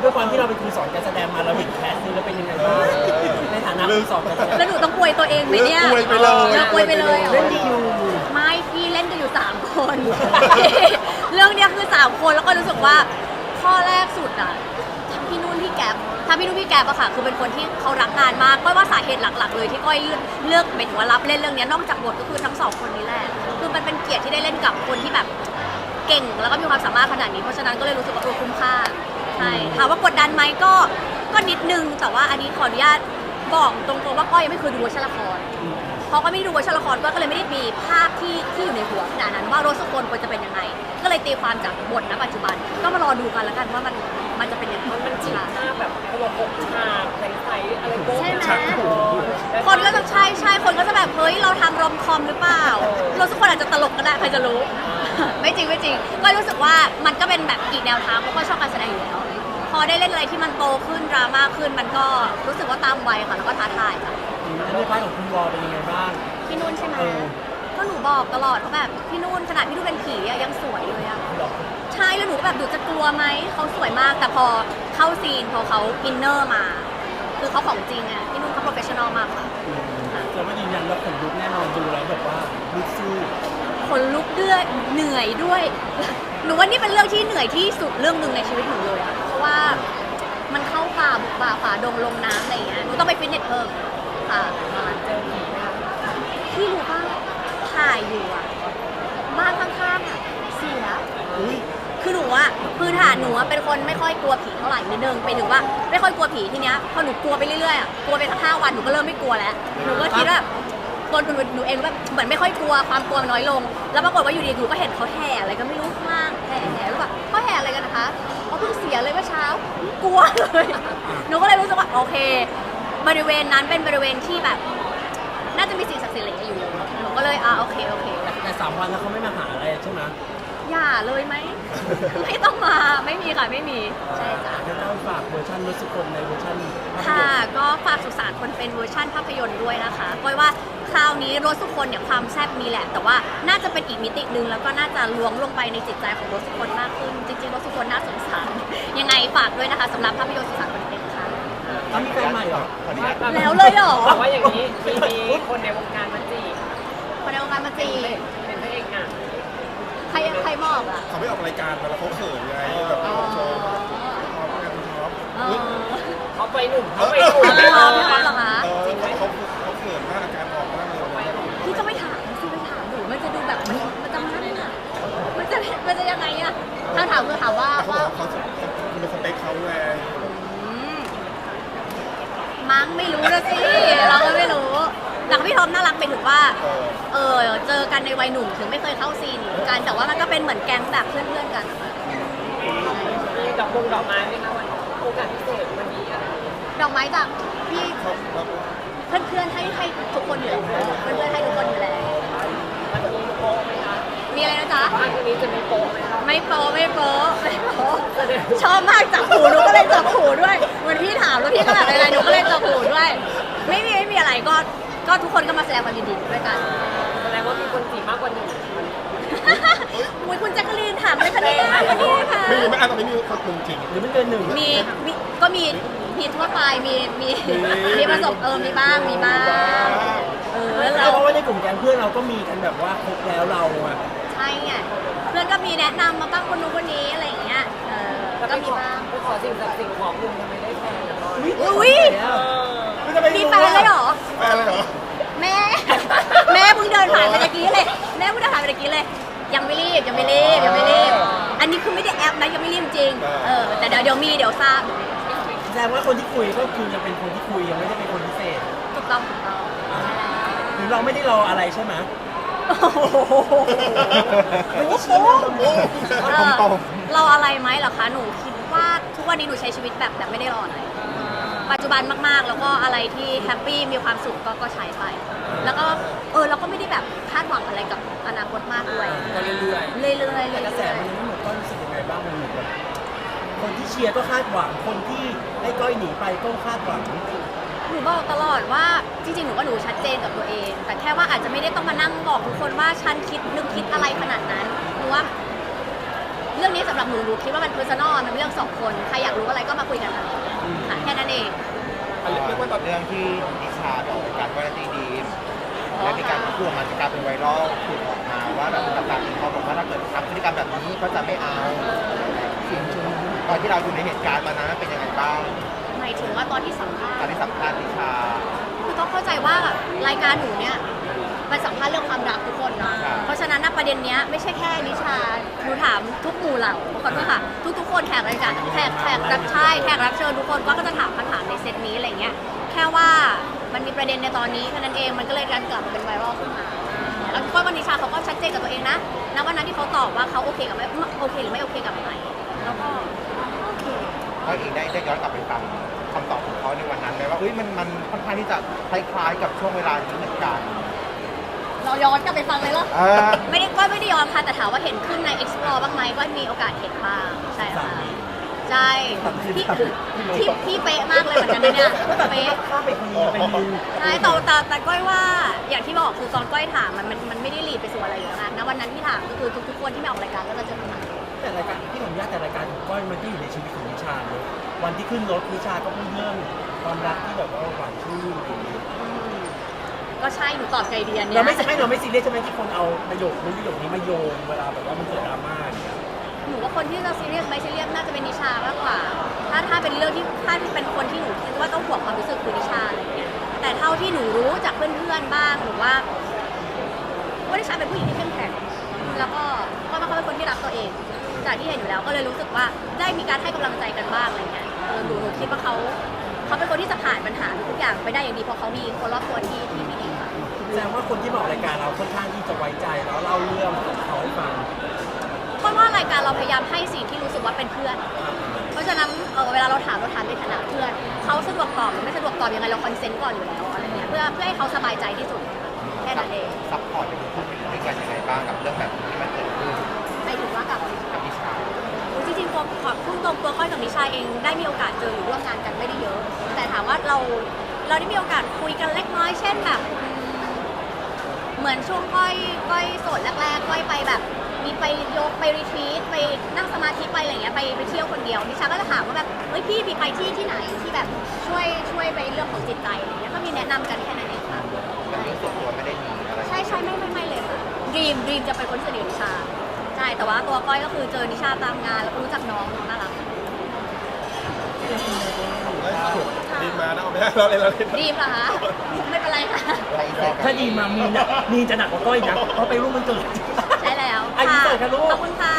ด้วยความที่เราเป็นครูสอนการแสดงมาเราเห็นแคสนี้แล้วเป็นยังไงบ้างในฐานะครูสอนการแสดงแล้วหนูต้องอวยตัวเองไหมเนี่ยอวยไปเลยอวยไปเลยเหรอเล่นดีอยู่ไม่พี่เล่นกันอยู่3 คน เรื่องเนี้ยคือ3 คนแล้วก็รู้สึกว่าข้อแรกสุดอะทั้งพี่นุ่นพี่แก๊ปทั้งพี่นุ่นพี่แก๊ปอะค่ะคือเป็นคนที่เขารักงานมากก้อยว่าสาเหตุหลักๆเลยที่ก้อยเลือกหมายถึงว่ารับเล่นเรื่องเนี้ยนอกจากบทก็คือทั้ง2 คนนี้แหละคือมันเป็นเกียรติที่ได้เล่นกับคนที่แบบเก่งแล้วก็มีความสามารถขนาดนี้เพราะฉะนั้นก็เลยรู้สึกว่าคุ้มค่าใช่ถามว่ากดดันไหมก็นิดนึงแต่ว่าอันนี้ขออนุญาตบอกตรงๆว่าก้อยยังไม่เคยดูเวอร์ชันละครเพราะก็ไม่ได้ดูเวอร์ชันละครก็เลยไม่ได้มีภาพที่อยู่ในหัวขนาดนั้นว่ารถสกลควรจะเป็นยังไงก็เลยตีความจากบทณปัจจุบันก็มารอดูกันแล้วกันว่ามันจะเป็นยังไงมันจริงหน้าแบบเขาบอก6 ฉากใสๆอะไรโป๊ะใช่ไหมฉากโป๊ะคนก็จะใช่คนก็จะแบบเฮ้ยเราทำรอมคอมหรือเปล่ารถสกลอาจจะตลกก็ได้ใครจะรู้ ไม่จริงก็รู้สึกว่ามันก็เป็นแบบอีกแนวทางเพราะก็ชอบการแสดงอยู่แล้วพอได้เล่นอะไรที่มันโตขึ้นดราม่าขึ้นมันก็รู้สึกว่าตามวัยค่ะแล้วก็ท้าทายค่ะแล้วในพาร์ทของคุณวอลเป็นยังไงบ้างพี่นุ่นใช่ไหมเออก็หนูบอกตลอดว่าแบบพี่นุ่นขนาดพี่นุ่นเป็นผีอะยังสวยเลยอะใช่แล้วหนูก็แบบดูจะกลัวไหมเขาสวยมากแต่พอเข้าซีนพอเขาอินเนอร์มา คือเขาของจริงอะพี่นุ่นเขาโปรเฟชชั่นอลมากค่ะเราก็ยืนยันว่าขนลุกแน่นอนดูแล้วแบบว่าลุกสู้คนลุกด้วยเหนื่อยด้วย หนูว่านี่เป็นเรื่องที่เหนื่อยที่สุดเรื่องหนึ่งในชีวิตหนูเลยอะเพราะว่ามันเข้าป่าบุกป่าฝ่าดงลงน้ำอะไรอย่างเงี้ยหนูต้องไปฟิตเนสเพิ่มค่ะพี่รู้ป่ะถ่ายอยู่อะบ้านข้างๆอะเสียอุ้ยคือหนูอะพื้นฐานหนูอะเป็นคนไม่ค่อยกลัวผีเท่าไหร่นิดนึงไปถึงว่าไม่ค่อยกลัวผีทีเนี้ยพอหนูกลัวไปเรื่อยๆอะกลัวไปสัก5 วันหนูก็เริ่มไม่กลัวแล้วหนูก็คิดว่าตัวหนูเองแบบเหมือนไม่ค่อยกลัวความกลัวมันน้อยลง แล้วปรากฏว่าอยู่ดีหนูก็เห็นเขาแห่อะไรก็ไม่รู้ข้างล่างแห่แล้วแบบเขาแห่อะไรกันนะคะเขาเพิ่งเสียเลยเมื่อเช้ากลัวเลยหนูก็เลยรู้สึกว่าโอเค บริเวณนั้นเป็นบริเวณที่แบบ น่าจะมีสิ่งศักดิ์สิทธิ์อะไรอยู่หนูก็เลยโอเคแต่3 วันแล้วเขาไม่มาหาอะไรใช่ไหมอย่าเลยไหม ไม่ต้องมาไม่มีค่ะไม่มีใช่จ้ะแล้วก็ฝากเวอร์ชันรถสุคนในเวอร์ชันภาพยค่ะนตร์ก็ฝากสุสานคนเป็นเวอร์ชั่นภาพยนตร์ด้วยนะคะก้อยว่าคราวนี้รถสุคนเนี่ยความแซ่บมีแหละ แต่ว่าน่าจะเป็นอีกมิติหนึ่งแล้วก็น่าจะล้วงลงไปในจิตใจของรถสุคนมากขึ้น จริงๆรถสุคนน่าสงสาร ยังไงฝากด้วยนะคะสำหรับภาพยนตร์สุสานคนเป็นค่ะเขามีแฟนใหม่เหรอแล้วเลยเหรอบอกว่าอย่างนี้มีคนในวงการมาจีบมาในวงการมาจีบเป็นพระเอกหนังใครมอบอ่ะเขาไม่ออกรายการมาแล้วเขาเขินไงแบบโชว์ท็อปกันท็อปเขาไปหนุ่มเขาไปหนุ่มไม่พร้อมเหรอคะเขาเขินมากอาการออกมากเลยพี่ก็ไม่ถามสิไปถามหนูมันจะดูแบบมันจะมันอ่ะมันจะยังไงอ่ะถ้าถามคือถามว่าเขาบอกเขาเป็นสเปคเขาไงมั้งไม่รู้นะสิเราก็ไม่รู้แต่พี่ทอมน่ารักไปถึงว่าเจอกันในวัยหนุ่มถึงไม่เคยเข้าซีนกันแต่ว่ามันก็เป็นเหมือนแก๊งแบบเพื่อนๆกันอะมีดอกไม้ไหมคะวันโอกาสพิเศษวันนี้อะไรดอกไม้จากพี่เขาเพื่อนๆให้ทุกคนอยู่แล้วเพื่อนๆให้ทุกคนอยู่แล้ววันนี้โป๊ะไหมคะมีอะไรนะจ๊ะวันนี้จะมีโป๊ะไหมคะไม่โป๊ะชอบมากจับหูหนูก็เลยจับหูด้วยเหมือนพี่ถามแล้วพี่ก็แบบอะไรหนูก็เลยจับหูด้วย ไม่มีอะไรก็ทุกคนก็มาแสดงความยินดีด้วยกันแสดงว่ามีคนจีบมากกว่า1 อุ๊ยคุณแจ๊กกะลีนถามเลยคะเนี่ยวันนี้ค่ะไม่อาจจะไม่มีคนจริงหรือไม่เกิน 1 ก็มีทั่วไปมีประสบมีบ้างเพราะว่าในกลุ่มแก๊งเพื่อนเราก็มีกันแบบว่าครบแล้วเราอะใช่ไงเพื่อนก็มีแนะนำมาบ้างคนนู้นคนนี้อะไรอย่างเงี้ยก็มีบ้างไปขอสิ่งศักดิ์สิทธิ์ของคุณทำไมได้แฟนนะก้อยอุ๊ย มีแฟนเลยเหรอแฟนเลยเหรอแม่เพิ่งเดินผ่านไปตะกี้เลยยังไม่รีบอันนี้คือไม่ได้แอปนะยังไม่รีบจริงแต่เดี๋ยวทราบแสดงว่าคนที่คุยก็คือยังเป็นคนที่คุยยังไม่ได้เป็นคนพิเศษถูกต้องหรือเราไม่ได้รออะไรใช่ไหมไม่ได้ชี้นะตรงเราอะไรไหมเหรอคะหนูคิดว่าทุกวันนี้หนูใช้ชีวิตแบบไม่ได้รออะไรปัจจุบันมากๆแล้วก็อะไรที่แฮปปี้มีความสุขก็ใช้ไป แล้วก็เราก็ไม่ได้แบบคาดหวังอะไรกับอนาคตมากด้วยก็เรื่อยๆแต่กระแสมันยังไม่หมดก็รู้สึกยังไงบ้างมันเหมือนแบบคนที่เชียร์ก็คาดหวังคนที่ให้ก้อยหนีไปก็คาดหวังหนูบอกตลอดว่าจริงๆหนูว่าหนูชัดเจนกับตัวเอง แต่แค่ว่าอาจจะไม่ได้ต้องมานั่งบอกทุกคนว่าฉันนึกคิดอะไรขนาดนั้นหนูว่ารื่องนี้สำหรับหนูคิดว่ามันเพอร์ซันอลมันเป็นเรื่องสองคนใครอยากรู้อะไรก็มาคุยกันค่ะแค่นั้นเองเรียกว่าตอนเรื่องที่นิชาต่อการว่าตีดีมและมีการพูดออกมาจะกลายเป็นไวรัลถูกออกมาว่าแบบต่างๆเขาบอกว่าถ้าเกิดทำพฤติกรรมแบบนี้ก็จะไม่เอาตอนที่เราอยู่ในเหตุการณ์มานั้นเป็นยังไงบ้างหมายถึงว่าตอนที่สัมภาตอษนณ์ที่สัมภาษณ์นิชาคือต้องเข้าใจว่ารายการหนูเนี่ยมันสัมภาษณ์เรื่องความรักทุกคนเนาะครับเพราะฉะนั้นนะประเด็นเนี้ยไม่ใช่แค่นิชาหนูถามทุกหมู่เหล่าขอโทษค่ะทุกคนแขกรายการแขกรับใช่แขกรับเชิญทุกคนก็จะถามคำถามในเซตนี้อะไรเงี้ยแค่ว่ามันมีประเด็นในตอนนี้แค่นั้นเองมันก็เลยการกลับมาเป็นไวรัลขึ้นมาแล้วก็วันนิชาเขาก็ชัดเจนกับตัวเองนะณวันนั้นที่เขาตอบว่าเขาโอเคกับไม่โอเคหรือไม่โอเคกับอะไรแล้วก็โอเคเขาเองได้ย้อนกลับไปฟังคำตอบของเขาในวันนั้นไหมว่ามันค่อนข้างที่จะคล้ายๆกับช่วงเวลานี้เหมือนกันเราย้อนกลับไปฟังเลยเหรอเออไม่ได้ย้อนค่ะแต่ถามว่าเห็นขึ้นใน explore บ้างไหมก็มีโอกาสเห็นบ้างใช่ค่ะใช่พี่เป๊ะมากเลยเหมือนกันนะเนี่ยแต่พี่เป๊ะก็ข้ามไปคนนี้ไปยืนใช่แต่ก้อยว่าอย่างที่บอกคือตอนก้อยถามมันไม่ได้ลีดไปสู่อะไรอยู่แล้วนะณวันนั้นที่ถามก็คือทุกคนที่มาออกรายการก็จะเจอคำถามแต่รายการที่ผมญาติแต่รายการของก้อยมันก็อยู่ในชีวิตของนิชาเลยวันที่ขึ้นรถนิชาก็พูดเรื่องความรักที่แบบว่าหวานชื่นก็ใช่หนูตอบใจเดียนเนี่ยเราไม่ซีเรียสใช่ไหมที่คนเอาประโยคนี้มาโยงเวลาแบบว่ามันเกิดดราม่าอย่างเงี้ยหนูว่าคนที่จะซีเรียสไม่ซีเรียสน่าจะเป็นนิชามากกว่า ถ้าเป็นเรื่องที่ถ้าเป็นคนที่หนูคิดว่าต้องห่วงความรู้สึกคือนิชาอะไรอย่างเงี้ยแต่เท่าที่หนูรู้จากเพื่อนๆบ้างหนูว่านิชาเป็นผู้หญิงที่เข้มแข็งแล้วก็เขาเป็นคนที่รักตัวเองจากที่เห็นอยู่แล้วก็เลยรู้สึกว่าได้มีการให้กำลังใจกันบ้างอะไรเงี้ยหนูคิดว่าเขาเป็นคนที่จะผ่านปัญหาทุกอย่างไปได้อย่างดีเพราะเขามีคนรอบตัวที่ดีค่ะแสดงว่าคนที่มาออกรายการเราค่อนข้างที่จะไว้ใจแล้วเล่าเรื่องของเขาให้ฟังเพราะว่ารายการเราพยายามให้สิ่งที่รู้สึกว่าเป็นเพื่อน เพราะฉะนั้นเวลาเราถามในฐานะเพื่อนเขาสะดวกตอบหรือไม่สะดวกตอบยังไงเราคอนเซนต์ก่อนอยู่แล้วอะไรเงี้ยเพื่อให้เขาสบายใจที่สุดแค่นั้นเองซัพพอร์ตเป็นพูดด้วยกันยังไงบ้างกับเรื่องแบบนี้ที่มันเกิดขึ้นไปถึงว่ากับกับนิชาจริงๆขอพุ่งตรงตัวก้อยกับนิชาเองได้มีโอกาสเจอหรือร่วมงานกันไม่ได้เยอะ แต่ถามว่าเราได้มีโอกาสคุยกันเล็กน้อยเช่นแบบเหมือนช่วงก้อยโสดแรกๆก้อยไปแบบมีไปยกไปรีทรีตไปนั่งสมาธิไปอะไรเงี้ยไปเที่ยวคนเดียวนิชาก็จะถามว่าแบบเฮ้ยพี่มีไปที่ไหนที่แบบช่วยไปเรื่องของจิตใจอะไรเงี้ยก็มีแนะนำกันแค่นั้นเองค่ะแต่เรื่องส่วนตัวไม่ได้มีอะไรใช่ไม่เลยค่ะดีมจะเป็นคนที่สนิทกับนิชาใช่แต่ว่าตัวก้อยก็คือเจอนิชาตามงานแล้วก็รู้จักน้องน่ารักดีมานะเอาไม่ได้เราเลยดีมเหรอคะไม่เป็นไรค่ะถ้าดีมามีนจะหนักกว่าก้อยนะเพราะไปร่วมมันเกิดใช่แล้วอายุเท่าไหร่คะลูกขอบคุณค่ะ